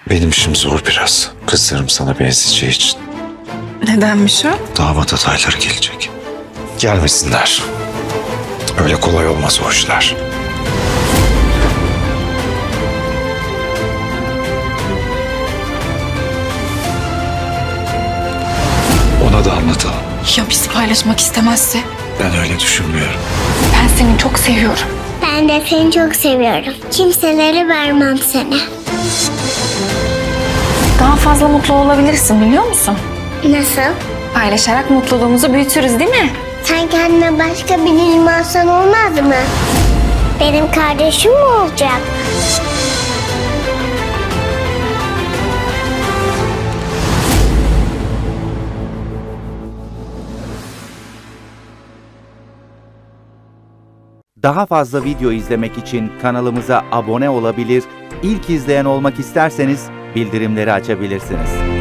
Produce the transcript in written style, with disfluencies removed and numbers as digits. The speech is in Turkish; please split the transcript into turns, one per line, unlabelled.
Benim işim zor biraz. Kızlarım sana benzeyeceği için.
Nedenmiş o?
Damat adayları gelecek. Gelmesinler. Öyle kolay olmaz o işler. Ona da anlatalım.
Ya bizi paylaşmak istemezse?
Ben öyle düşünmüyorum.
Ben seni çok seviyorum.
Ben de seni çok seviyorum. Kimselere vermem seni.
Daha fazla mutlu olabilirsin biliyor musun?
Nasıl?
Paylaşarak mutluluğumuzu büyütürüz değil mi?
Sen kendine başka birini alsan olmaz mı? Benim kardeşim mi olacak?
Daha fazla video izlemek için kanalımıza abone olabilir, ilk izleyen olmak isterseniz bildirimleri açabilirsiniz.